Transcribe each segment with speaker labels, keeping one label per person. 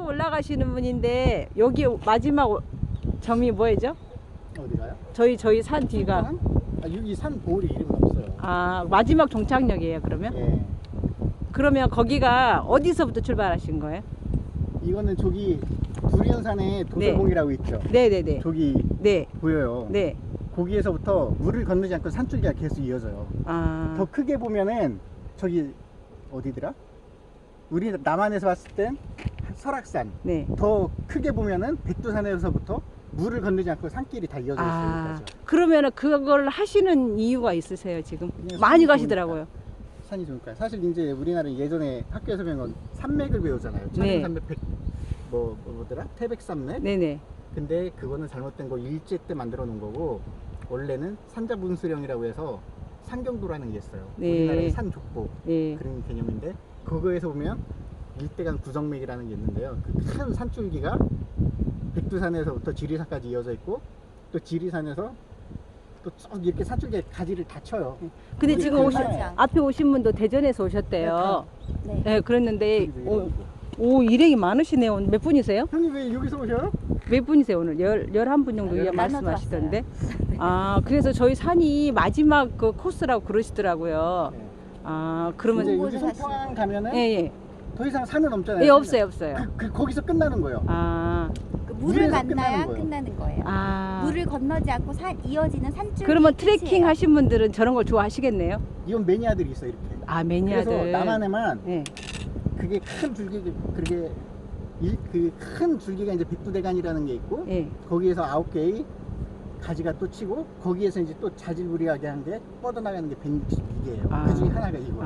Speaker 1: 계속 올라가시는 분인데 여기 마지막 점이 뭐예요?
Speaker 2: 어디가요?
Speaker 1: 저희 산 뒤가.
Speaker 2: 아, 여기 산 보울이 이름은 없어요.
Speaker 1: 아, 마지막 종착역이에요, 그러면?
Speaker 2: 예.
Speaker 1: 그러면 거기가 어디서부터 출발하신 거예요?
Speaker 2: 이거는 저기 두리안산에 도서봉이라고 있죠.
Speaker 1: 네네네.
Speaker 2: 저기
Speaker 1: 네.
Speaker 2: 보여요.
Speaker 1: 네.
Speaker 2: 거기에서부터 물을 건너지 않고 산줄기가 계속 이어져요.
Speaker 1: 아.
Speaker 2: 더 크게 보면은 저기 어디더라? 우리 남한에서 봤을 땐 설악산.
Speaker 1: 네.
Speaker 2: 더 크게 보면은 백두산에서부터 물을 건너지 않고 산길이 다 이어져 있어요.
Speaker 1: 아,
Speaker 2: 여기까지.
Speaker 1: 그러면은 그걸 하시는 이유가 있으세요, 지금?
Speaker 2: 그냥
Speaker 1: 많이
Speaker 2: 산이
Speaker 1: 가시더라고요.
Speaker 2: 산이 좋으니까. 사실 이제 우리나라는 예전에 학교에서 배운 건 산맥을 배우잖아요.
Speaker 1: 네.
Speaker 2: 천연산맥 뭐더라? 태백산맥.
Speaker 1: 네네.
Speaker 2: 근데 그거는 잘못된 거 일제 때 만들어 놓은 거고 원래는 산자분수령이라고 해서 산경도라는 게 있어요.
Speaker 1: 네.
Speaker 2: 우리나라의 산족보
Speaker 1: 네.
Speaker 2: 그런 개념인데 그거에서 보면 일대간 구정맥이라는 게 있는데요. 그 큰 산줄기가 백두산에서부터 지리산까지 이어져 있고 또 지리산에서 또 쭉 이렇게 산줄기에 가지를 다 쳐요.
Speaker 1: 근데
Speaker 2: 우리
Speaker 1: 지금
Speaker 2: 그
Speaker 1: 오신,
Speaker 2: 산에
Speaker 1: 앞에 오신 분도 대전에서 오셨대요.
Speaker 3: 네.
Speaker 1: 네, 그랬는데,
Speaker 2: 저기도
Speaker 1: 오, 일행이 많으시네요. 몇 분이세요?
Speaker 2: 형님 왜 여기서 오셔요?
Speaker 1: 몇 분이세요, 오늘? 11분 정도
Speaker 2: 아,
Speaker 1: 말씀하시던데. 아, 그래서 저희 산이 마지막 그 코스라고 그러시더라고요.
Speaker 2: 네.
Speaker 1: 아,
Speaker 2: 이제
Speaker 1: 그러면,
Speaker 2: 여기 송평항 가면은
Speaker 1: 예, 예.
Speaker 2: 더 이상 산은 없잖아요.
Speaker 1: 예, 없어요, 없어요.
Speaker 2: 거기서 끝나는 거예요.
Speaker 1: 아,
Speaker 3: 그 물을
Speaker 2: 물에서
Speaker 3: 만나야
Speaker 2: 끝나는
Speaker 3: 끝나는 거예요.
Speaker 1: 아.
Speaker 3: 물을 건너지 않고 이어지는 산줄.
Speaker 1: 그러면 트레킹 하신 분들은 저런 걸 좋아하시겠네요?
Speaker 2: 이건 매니아들이 있어 이렇게.
Speaker 1: 아, 매니아들.
Speaker 2: 그래서 남한에만
Speaker 1: 네.
Speaker 2: 그게 큰 줄기 그게 그 큰 줄기가 이제 백두대간이라는 게 있고
Speaker 1: 예.
Speaker 2: 거기에서 9개의 가지가 또 치고 거기에서 이제 또 자질구레하게 한 게 뻗어나가는 게 162개예요.
Speaker 1: 아.
Speaker 2: 그 중에 하나가 이거예요.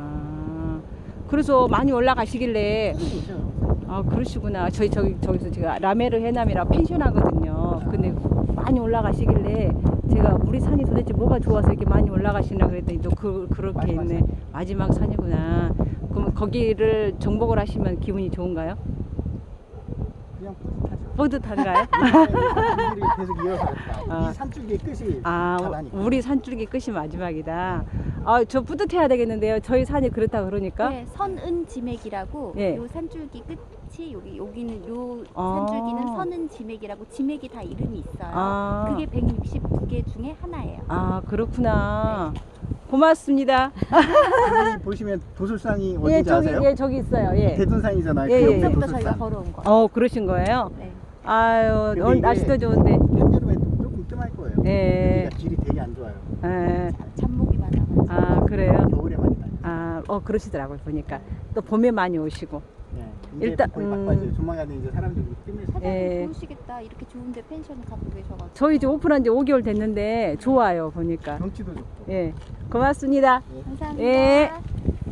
Speaker 1: 아, 그래서 많이 올라가시길래,
Speaker 2: 그렇죠.
Speaker 1: 아, 그러시구나. 저기서 제가 라메르 해남이라 펜션 하거든요. 근데 많이 올라가시길래 제가 우리 산이 도대체 뭐가 좋아서 이렇게 많이 올라가시나 그랬더니 또 그렇게
Speaker 2: 마지막
Speaker 1: 있네. 마지막 산이구나. 그럼 거기를 정복을 하시면 기분이 좋은가요?
Speaker 2: 그냥 뿌듯하죠.
Speaker 1: 뿌듯한가요?
Speaker 2: 줄기를 계속 이어서 갔다.
Speaker 1: 아.
Speaker 2: 이 산줄기의 끝이
Speaker 1: 아,
Speaker 2: 가다니까.
Speaker 1: 우리 산줄기 끝이 마지막이다. 아, 저 뿌듯해야 되겠는데요. 저희 산이 그렇다 그러니까.
Speaker 3: 네, 선은지맥이라고
Speaker 1: 예.
Speaker 3: 요 산줄기 끝이 여기는 요
Speaker 1: 아.
Speaker 3: 산줄기는 선은지맥이라고 지맥이 다 이름이 있어요.
Speaker 1: 아.
Speaker 3: 그게 162개 중에 하나예요.
Speaker 1: 아, 그렇구나. 고맙습니다.
Speaker 2: 여기 보시면 도술산이 어딘지
Speaker 1: 예, 저기,
Speaker 2: 아세요?
Speaker 1: 예, 저기 있어요. 예.
Speaker 2: 대둔산이잖아요.
Speaker 1: 예,
Speaker 2: 그
Speaker 1: 예.
Speaker 2: 옆에
Speaker 3: 여기부터 저희가
Speaker 2: 도술산.
Speaker 3: 걸어온 거예요.
Speaker 1: 그러신 거예요?
Speaker 3: 네.
Speaker 1: 아유,
Speaker 2: 근데
Speaker 1: 오늘
Speaker 2: 이게
Speaker 1: 날씨도 좋은데.
Speaker 2: 한여름에 조금 뜸할 거예요.
Speaker 1: 예.
Speaker 2: 여기가 길이 되게 안 좋아요.
Speaker 1: 예.
Speaker 3: 잡목이 많아가지고.
Speaker 1: 아, 그래요?
Speaker 2: 겨울에 많이 다녀요.
Speaker 1: 아, 그러시더라고요, 보니까. 또 봄에 많이 오시고.
Speaker 2: 예. 이제
Speaker 1: 일단,
Speaker 2: 거의 바빠져요. 조만간에 이제 사람들이 뜸을
Speaker 3: 사장님
Speaker 1: 예.
Speaker 3: 좋으시겠다. 이렇게 좋은데 펜션 갖고 계셔가지고.
Speaker 1: 저희 이제 오픈한 지 5개월 됐는데, 좋아요, 보니까.
Speaker 2: 경치도 좋고.
Speaker 1: 예. 고맙습니다.
Speaker 3: 감사합니다.
Speaker 1: 예.